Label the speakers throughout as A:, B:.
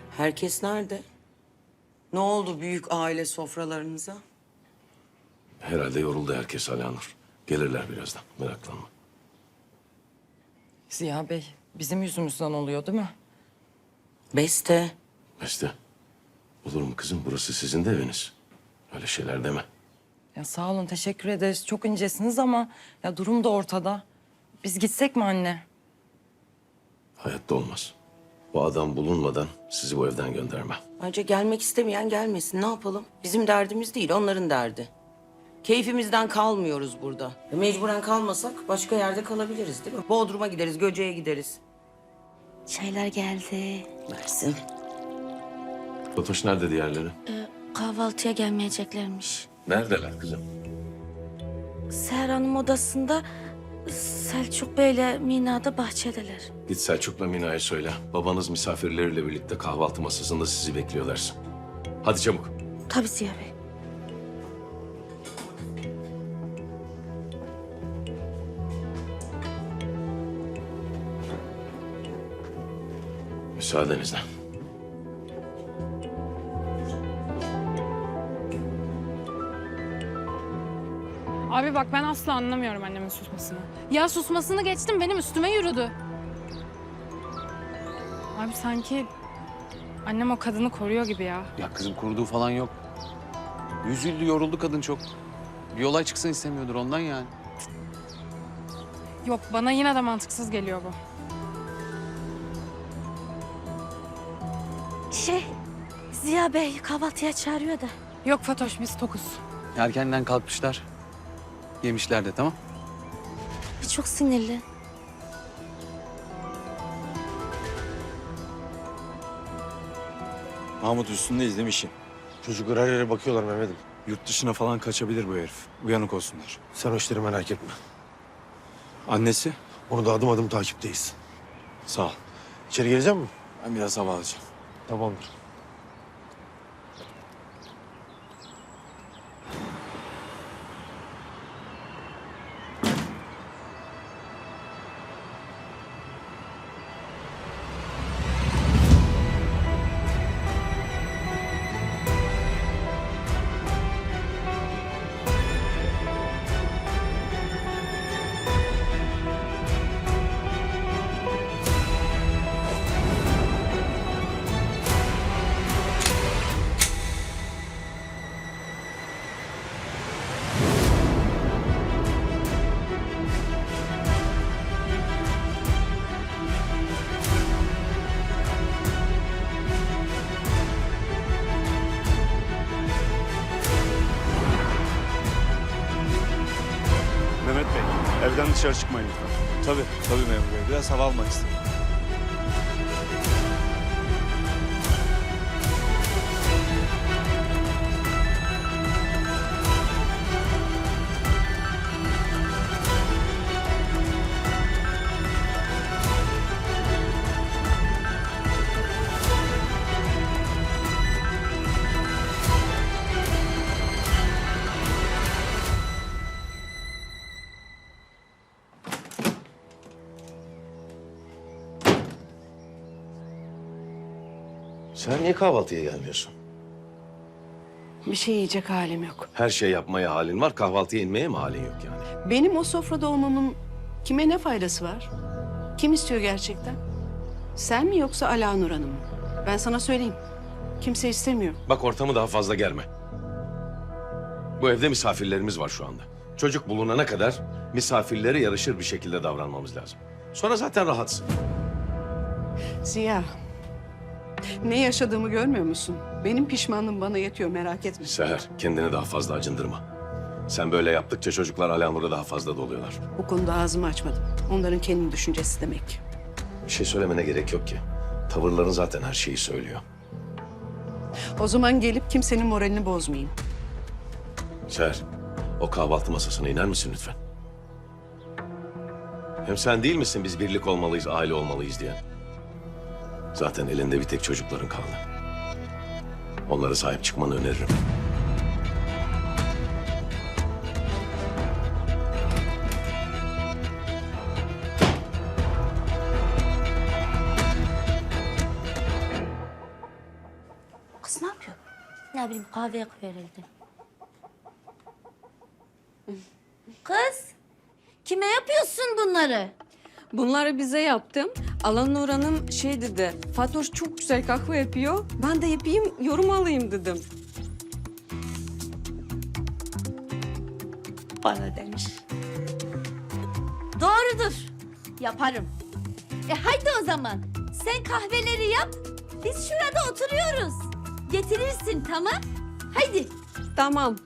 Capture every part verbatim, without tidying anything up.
A: Herkes nerede? Ne oldu büyük aile sofralarınıza?
B: Herhalde yoruldu herkes Alanur. Gelirler birazdan, meraklanma.
C: Ziya Bey, bizim yüzümüzden oluyor değil mi?
A: Beste.
B: Beste, olur mu kızım? Burası sizin de eviniz. Öyle şeyler deme.
C: Ya sağ olun, teşekkür ederiz. Çok incesiniz ama ya durum da ortada. Biz gitsek mi anne?
B: Hayatta olmaz. Bu adam bulunmadan sizi bu evden göndermem.
A: Ayrıca gelmek istemeyen gelmesin. Ne yapalım? Bizim derdimiz değil, onların derdi. Keyfimizden kalmıyoruz burada. E, mecburen kalmasak başka yerde kalabiliriz değil mi? Bodrum'a gideriz, Göce'ye gideriz.
D: Çaylar geldi.
A: Versin.
B: Fatoş nerede diğerleri?
D: Ee, kahvaltıya gelmeyeceklermiş.
B: Neredeler kızım?
D: Seher Hanım odasında, Selçuk Bey'le Mina da bahçedeler.
B: Git Selçuk'la Mina'ya söyle. Babanız misafirleriyle birlikte kahvaltı masasında sizi bekliyor dersin. Hadi çabuk.
D: Tabii Ziya Bey.
B: Müsaadenizle.
E: Abi bak ben asla anlamıyorum annemin susmasını. Ya susmasını geçtim benim üstüme yürüdü. Abi sanki annem o kadını koruyor gibi ya.
F: Ya kızım koruduğu falan yok. Üzüldü, yoruldu kadın çok. Bir olay çıksın istemiyordur ondan yani.
E: Yok bana yine de mantıksız geliyor bu.
D: Şey, Ziya Bey kahvaltıya çağırıyor da.
E: Yok Fatoş biz tokuz.
F: Erkenden kalkmışlar. Yemişler de tamam.
D: Çok sinirli.
G: Mahmut üstündeyiz değil mi işin?
H: Çocuklar her yere bakıyorlar Mehmet'im.
G: Yurt dışına falan kaçabilir bu herif. Uyanık olsunlar.
H: Sen o işleri merak etme.
G: Annesi?
H: Onu da adım adım takipteyiz.
G: Sağ ol.
H: İçeri gelecek misin?
G: Ben biraz hava alacağım.
H: Tamamdır.
I: Mehmet Bey, evden dışarı çıkmayın lütfen. Tabii, tabii memur bey. Biraz hava almak istedim.
B: Sen niye kahvaltıya gelmiyorsun?
J: Bir şey yiyecek halim yok.
B: Her şey yapmaya halin var, kahvaltıya inmeye mi halin yok yani?
J: Benim o sofrada olmamın kime ne faydası var? Kim istiyor gerçekten? Sen mi yoksa Alanur Hanım mı? Ben sana söyleyeyim. Kimse istemiyor.
B: Bak ortamı daha fazla germe. Bu evde misafirlerimiz var şu anda. Çocuk bulunana kadar misafirlere yarışır bir şekilde davranmamız lazım. Sonra zaten rahatsın.
J: Ziya, ne yaşadığımı görmüyor musun? Benim pişmanlığım bana yetiyor, merak etme.
B: Seher, kendini daha fazla acındırma. Sen böyle yaptıkça çocuklar Alanur'a daha fazla doluyorlar.
J: Bu konuda ağzımı açmadım. Onların kendi düşüncesi demek.
B: Bir şey söylemene gerek yok ki. Tavırların zaten her şeyi söylüyor.
J: O zaman gelip kimsenin moralini bozmayayım.
B: Seher, o kahvaltı masasına iner misin lütfen? Hem sen değil misin biz birlik olmalıyız, aile olmalıyız diyen? Zaten elinde bir tek çocukların kaldı. Onlara sahip çıkmanı öneririm.
D: Ne bileyim kahveye koyarıldı. Kız, kime yapıyorsun bunları?
K: Bunları bize yaptım. Alanur Hanım şey dedi, Fatoş çok güzel kahve yapıyor. Ben de yapayım, yorum alayım dedim.
D: Bana demiş. Doğrudur. Yaparım. E haydi o zaman. Sen kahveleri yap. Biz şurada oturuyoruz. Getirirsin tamam? Haydi.
K: Tamam.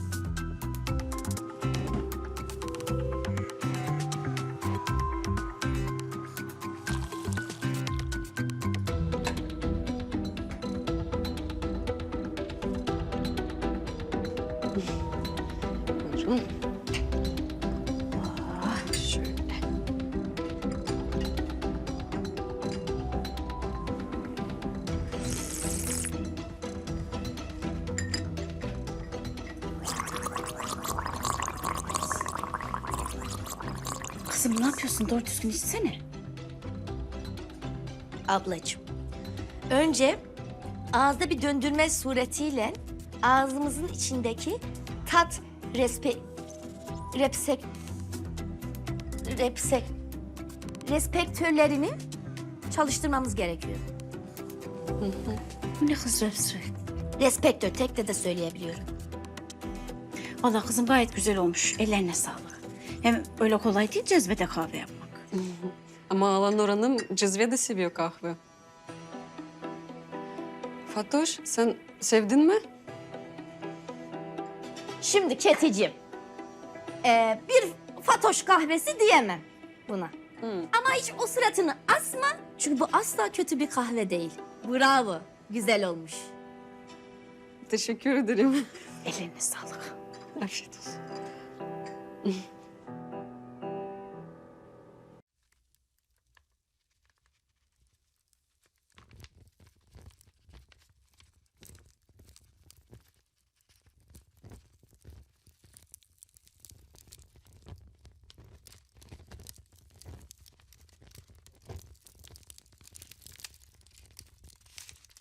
J: Buyurun. Ah, şöyle.
D: Kızım ne yapıyorsun? Doğru düzgün içsene. Ablacığım, önce ağızda bir döndürme suretiyle ağzımızın içindeki tat respe... repsek... repsek... respektörlerini çalıştırmamız gerekiyor.
L: Bu ne kız repsik?
D: Respektör, tek de de söyleyebiliyorum.
L: Vallahi kızım gayet güzel olmuş. Ellerine sağlık. Hem öyle kolay değil cezvede kahve yapmak.
K: Ama Alanur Hanım cezve de seviyor kahve. Fatoş, sen sevdin mi?
D: Şimdi Keticiğim, ee, bir Fatoş kahvesi diyemem buna. Ama hiç o suratını asma, çünkü bu asla kötü bir kahve değil. Bravo, güzel olmuş.
K: Teşekkür ederim.
L: Ellerine sağlık.
K: Afiyet olsun.